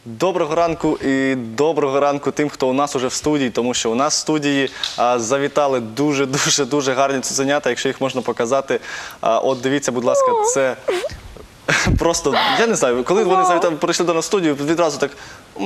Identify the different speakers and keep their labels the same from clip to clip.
Speaker 1: Доброго ранку і доброго ранку тим, хто у нас уже в студії, тому що у нас в студії завітали дуже гарні цуценята, якщо їх можна показати. От дивіться, будь ласка, це просто, я не знаю, коли вони завітали, прийшли до нас в студію, відразу так...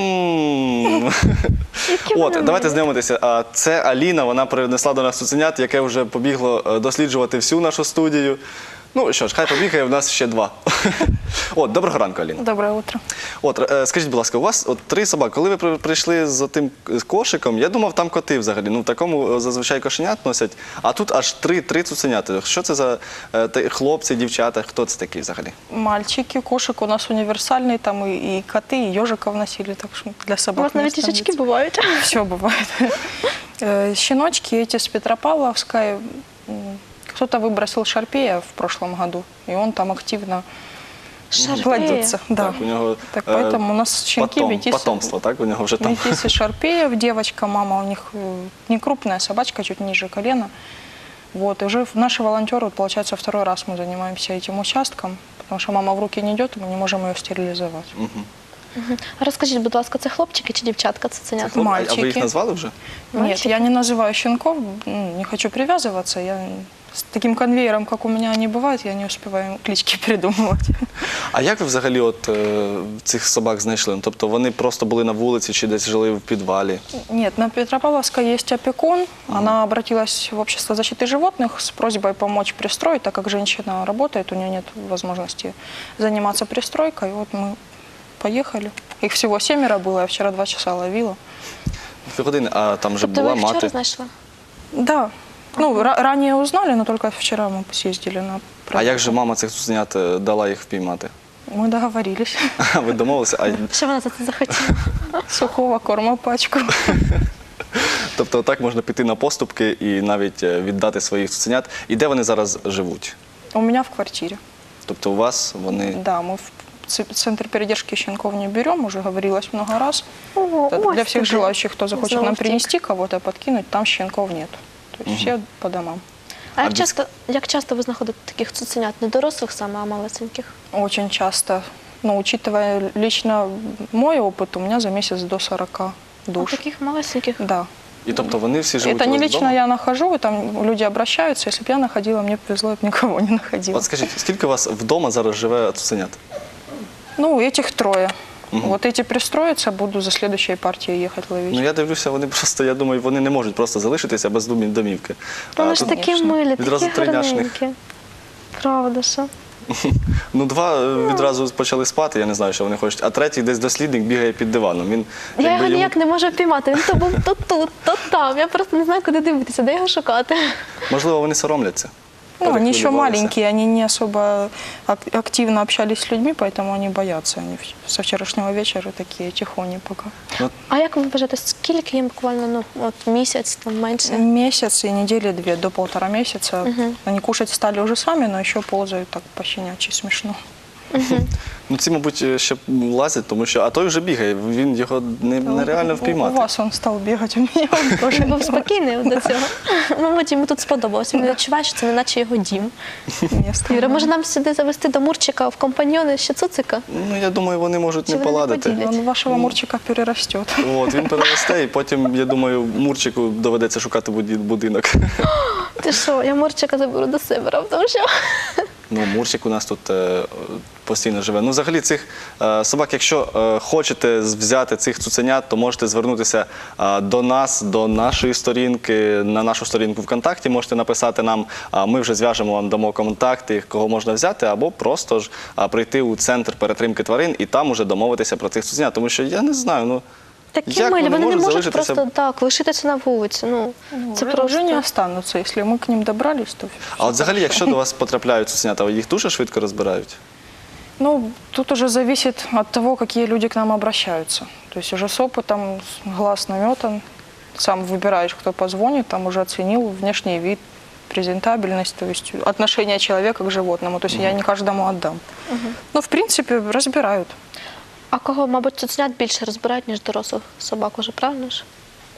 Speaker 1: От, давайте знайомитися. Це Аліна, вона принесла до нас цуценят, яке вже побігло досліджувати всю нашу студію. Ну що ж, хай побігає, в нас ще два. От, доброго ранку, Аліна.
Speaker 2: Доброе утро.
Speaker 1: От, скажіть, будь ласка, у вас от 3 собаки. Коли ви прийшли з тим кошиком, я думав, там коти взагалі. Ну, в такому зазвичай кошенят носять, а тут аж 3 цуценята. Що це за хлопці, дівчата, хто це такі взагалі?
Speaker 2: Мальчики, кошек у нас универсальный, там и коты, и ежиков носили, так что для собак.
Speaker 3: У вас навіть їжачки бувають.
Speaker 2: Все бывает. Щеночки эти с Петропавловской. Кто-то выбросил шарпея в прошлом году, и он там активно плодится. Да.
Speaker 1: Так, у нього
Speaker 2: Так поэтому у нас щенки
Speaker 1: потомство, так? У нього вже там.
Speaker 2: Метисы шарпеев, девочка, мама у них не крупная собачка, чуть ниже колена. Вот, и уже наши волонтеры, получается, 2-й раз мы занимаемся этим участком, потому что мама в руки не идет, и мы не можем ее стерилизовать.
Speaker 3: Розкажіть, будь ласка, це хлопчики чи дівчатка цуценята?
Speaker 1: А
Speaker 2: Мальчики.
Speaker 1: ви їх назвали вже?
Speaker 2: Нет, я не называю щенков, не хочу привязываться. Я с таким конвейером, как у меня они бывают, я не успеваю клички придумывать.
Speaker 1: А як ви взагалі от цих собак знайшли? Ну, тобто вони просто були на вулиці чи десь жили в підвалі?
Speaker 2: Нет, на Петропавловской есть опекун. Она обратилась в общество защиты животных с просьбой помочь пристроить, так как женщина работает, у нее нет возможности заниматься пристройкой. Вот мы поехали. Их всего 7 было, я вчера 2 часа ловила.
Speaker 1: Півгодини, а там вже
Speaker 3: Тобто
Speaker 1: була
Speaker 3: ви вчора
Speaker 1: мати.
Speaker 3: знайшли?
Speaker 2: Да. Ну, ранее узнали, но только вчера мы съездили на
Speaker 1: А
Speaker 2: проверку.
Speaker 1: як же мама цих цуценят дала їх впіймати?
Speaker 2: Мы договорились.
Speaker 1: А ви домовилися?
Speaker 3: Що вона за це захотіла?
Speaker 2: Сухого корма пачку.
Speaker 1: Тобто так можна піти на поступки і навіть віддати своїх цуценят. І де вони зараз живуть?
Speaker 2: У меня в квартире.
Speaker 1: Тобто у вас вони...
Speaker 2: Да, мы в центр передержки щенков не берем, уже говорилось много раз.
Speaker 3: О,
Speaker 2: Это
Speaker 3: ось
Speaker 2: для всех
Speaker 3: тобі.
Speaker 2: желающих, кто захочет
Speaker 3: Знову
Speaker 2: нам
Speaker 3: втік.
Speaker 2: принести кого-то, подкинуть, там щенков нет. То есть все по домам.
Speaker 3: А як часто ви знаходите таких цуценят? Не дорослих саме, а малесеньких?
Speaker 2: Очень часто. Но учитывая лично мой опыт, у меня за месяц до 40 душ.
Speaker 3: Таких малесеньких?
Speaker 2: Да.
Speaker 1: І тобто вони всі живуть
Speaker 2: Это
Speaker 1: у
Speaker 2: не
Speaker 1: вас
Speaker 2: лично
Speaker 1: вдома?
Speaker 2: я нахожу, там люди обращаются. Если бы я находила, мне повезло, я бы никого не находила.
Speaker 1: От скажіть, скільки у вас вдома зараз живе цуценят?
Speaker 2: Ну, этих 3. Вот эти пристроятся, буду за следующей партией ехать ловить.
Speaker 1: Ну я дивлюся, вони просто, я думаю, вони не можуть просто залишитися без домівки.
Speaker 3: Вони ж
Speaker 1: тут
Speaker 3: такі милі,
Speaker 1: відразу
Speaker 3: такі
Speaker 1: 3 няшних.
Speaker 3: гарненькі. Правда, що?
Speaker 1: Ну 2 відразу почали спати, я не знаю, що вони хочуть, а 3-й десь дослідник бігає під диваном. Він,
Speaker 3: Я його
Speaker 1: якби,
Speaker 3: ніяк не можу впіймати. Він то був то тут, то там. Я просто не знаю, куди дивитися, де його шукати.
Speaker 1: Можливо, вони соромляться.
Speaker 2: Ну, они еще
Speaker 1: Перехвилювалися.
Speaker 2: маленькие, они не особо активно общались с людьми, поэтому они боятся. Они со вчерашнего вечера такие тихони пока.
Speaker 3: А як ви вважаєте, скільки їм буквально, ну, от місяць, там менше?
Speaker 2: Месяц и недели 2, до 1,5 месяца. Они кушать стали уже сами, но еще ползают так по-щенячьи, смешно.
Speaker 1: Ну ці, мабуть, ще лазять, тому що, а той вже бігає, він його нереально
Speaker 2: У
Speaker 1: впіймати.
Speaker 2: вас он стал бегать, у меня он тоже.
Speaker 3: Він був спокійний до цього. Мабуть, йому тут сподобалося. Він відчуває, що це не наче його дім.
Speaker 2: Место.
Speaker 3: Юра, може нам сюди завести до Мурчика в компаньйони ще цуцика?
Speaker 1: Ну, я думаю, вони можуть
Speaker 3: Чи
Speaker 1: не
Speaker 3: вони не
Speaker 1: поладити.
Speaker 3: поділять?
Speaker 2: Он вашего Мурчика перерастет.
Speaker 1: От, він переросте, і потім, я думаю, Мурчику доведеться шукати будинок.
Speaker 3: Ти що, я Мурчика заберу до себе, раптом що?
Speaker 1: Ну, Мурчик у нас тут постійно живе. Ну, взагалі, цих собак, якщо хочете взяти цих цуценят, то можете звернутися до нас, до нашої сторінки, на нашу сторінку ВКонтакті можете написати нам, ми вже зв'яжемо вам, дамо контакти, кого можна взяти, або просто ж прийти у центр перетримки тварин і там уже домовитися про цих цуценят. Тому що я не знаю, ну,
Speaker 3: Такі
Speaker 1: як
Speaker 3: милі, вони не можуть
Speaker 1: залишитися?
Speaker 3: просто так лишитися на вулиці. Ну, це
Speaker 2: Уже не
Speaker 3: просто...
Speaker 2: останутся. Если мы к ним добрались, то
Speaker 1: А от взагалі, якщо до вас потрапляють цуценята, їх дуже швидко розбирають?
Speaker 2: Ну, тут уже зависит от того, какие люди к нам обращаются. То есть уже с опытом, глаз наметан, сам выбираешь, кто позвонит, там уже оценил внешний вид, презентабельность, то есть отношение человека к животному. То есть я не каждому отдам. Но, в принципе, разбирают.
Speaker 3: А кого, мабуть, цуценят більше розбирають, ніж дорослих собак уже, правильно ж?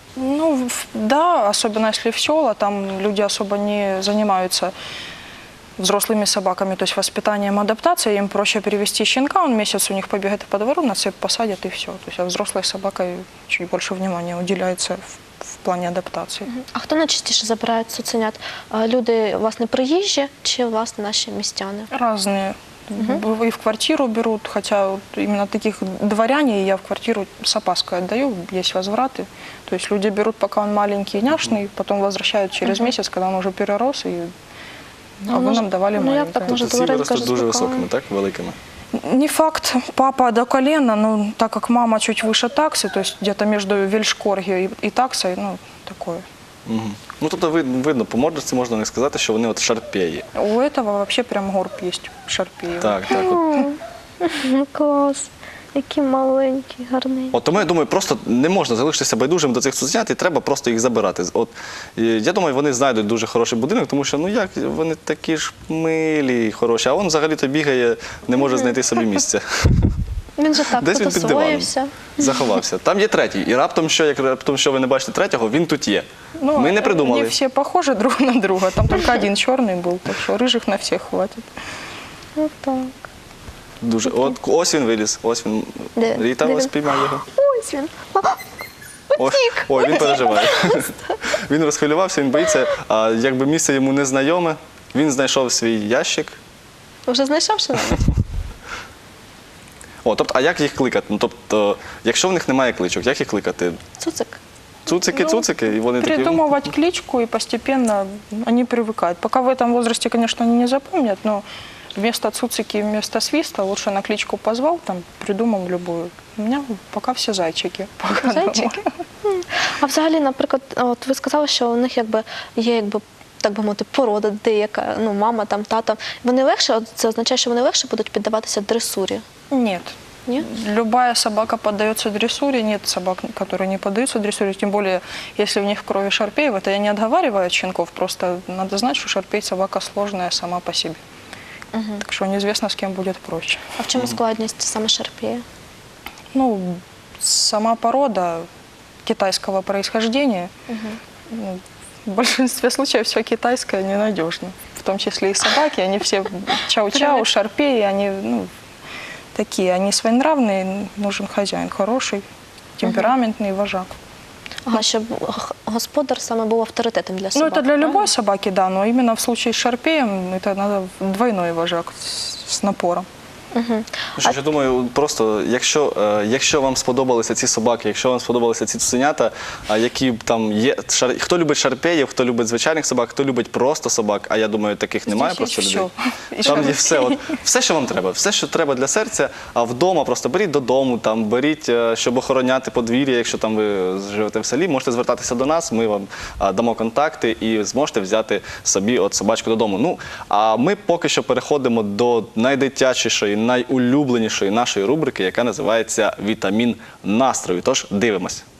Speaker 2: Ну, да, особенно если в села, там люди особо не занимаются взрослыми собаками, то есть воспитанием, адаптацией, им проще перевести щенка, он месяц у них побегает по двору, на цепь посадят и все. То есть, а взрослой собакой чуть больше внимания уделяется в плане адаптации.
Speaker 3: А хто найчастіше забирає цуценят? Люди, власне, приїжджі чи, власне, наші містяни?
Speaker 2: Разные. И в квартиру берут, хотя вот именно таких дворяне я в квартиру с опаской отдаю, есть возвраты. То есть люди берут, пока он маленький и няшный, потом возвращают через месяц, когда он уже перерос, и а вы
Speaker 3: може-
Speaker 2: нам давали
Speaker 3: ну, як
Speaker 2: маленькое.
Speaker 3: так може?
Speaker 1: Тобто ці
Speaker 3: Дворенька
Speaker 1: виростуть
Speaker 3: ж
Speaker 1: дуже
Speaker 3: спокійно.
Speaker 1: високими, так? Великими.
Speaker 2: Не факт, папа до колена, но так как мама чуть выше таксы, то есть где-то между вельшкорги и таксой, ну, такое.
Speaker 1: Мгм. Ну, тобто видно, по мордочці можна не сказати, що вони от шарпеї.
Speaker 2: У этого вообще прям горб есть, шарпеев.
Speaker 1: Так, так. От.
Speaker 3: Клас. Які маленькі, гарненькі.
Speaker 1: От тому я думаю, просто не можна залишитися байдужим до цих цуценят і треба просто їх забирати. От і я думаю, вони знайдуть дуже хороший будинок, тому що ну як вони такі ж милі, і хороші, а він взагалі-то бігає, не може знайти собі місця.
Speaker 3: Він же так
Speaker 1: Десь він під диваном
Speaker 3: потусуєвся.
Speaker 1: заховався. Там є третій, і раптом що ви не бачите третього, він тут є.
Speaker 2: Ну,
Speaker 1: Ми не придумали.
Speaker 2: Не все похожи друг на друга, там только один черный был, так что рыжих на всех хватит.
Speaker 3: Ну так.
Speaker 1: Дуже. От ось він виліз, ось він.
Speaker 3: Де?
Speaker 1: Ріта
Speaker 3: Де
Speaker 1: ось
Speaker 3: він?
Speaker 1: піймав його.
Speaker 3: Ось він.
Speaker 1: Ой, він переживає. Він розхвилювався, він боїться, а якби місце йому незнайоме, він знайшов свій ящик.
Speaker 3: Вже знайшов що навіть?
Speaker 1: О, тобто, а як їх кликати? Ну, тобто, якщо в них немає кличок, як їх кликати?
Speaker 3: Цуцик.
Speaker 1: Цуцики,
Speaker 2: Ну,
Speaker 1: цуцики, і вони такі.
Speaker 2: Придумывать кличку, и постепенно они привыкают. Пока в этом возрасте, конечно, они не запомнят, но вместо цуцики, вместо свиста лучше на кличку позвал, там придумал любую. У меня пока все зайчики. Пока
Speaker 3: Зайчики? А взагалі, наприклад, от ви сказали, що у них якби є якби. Так би мовити, порода деяка, ну, мама, там, тата. Вони легше, от це означає, що вони легше будуть піддаватися дресурі?
Speaker 2: Нет.
Speaker 3: Ні?
Speaker 2: Любая собака поддается дрессуре, нет собак, которые не поддаются дрессуре, тем более, если в них в крови шарпеев, это я не отговариваю от щенков, просто надо знать, что шарпей собака сложная сама по себе. Так что неизвестно, с кем будет проще.
Speaker 3: А в чому складність саме шарпея?
Speaker 2: Ну, сама порода китайского происхождения, ну, в большинстве случаев все китайское ненадежно. В том числе и собаки, они все чау-чау, шарпеи, они ну, такие, они своенравные, нужен хозяин хороший, темпераментный вожак.
Speaker 3: Ага, щоб господар саме був авторитетом для
Speaker 2: Ну,
Speaker 3: собак.
Speaker 2: это для
Speaker 3: правильно?
Speaker 2: любой собаки, да, но именно в случае с шарпеем это надо двойной вожак с напором.
Speaker 1: Ну, що ж, я думаю, просто якщо вам сподобалися ці собаки, якщо вам сподобалися ці цуценята, які там є, хто любить шарпеїв, хто любить звичайних собак, хто любить просто собак, а я думаю, таких немає
Speaker 2: Здесь
Speaker 1: просто
Speaker 2: есть
Speaker 1: людей.
Speaker 2: всё. И
Speaker 1: Там є
Speaker 2: шарпеи.
Speaker 1: все, все, що вам треба, все, що треба для серця, а вдома просто беріть додому, там беріть, щоб охороняти подвір'я, якщо там ви живете в селі, можете звертатися до нас, ми вам дамо контакти і зможете взяти собі от собачку додому. Ну, а ми поки що переходимо до найдитячішої, найулюбленішої нашої рубрики, яка називається «Вітамін настрою». Тож дивимось.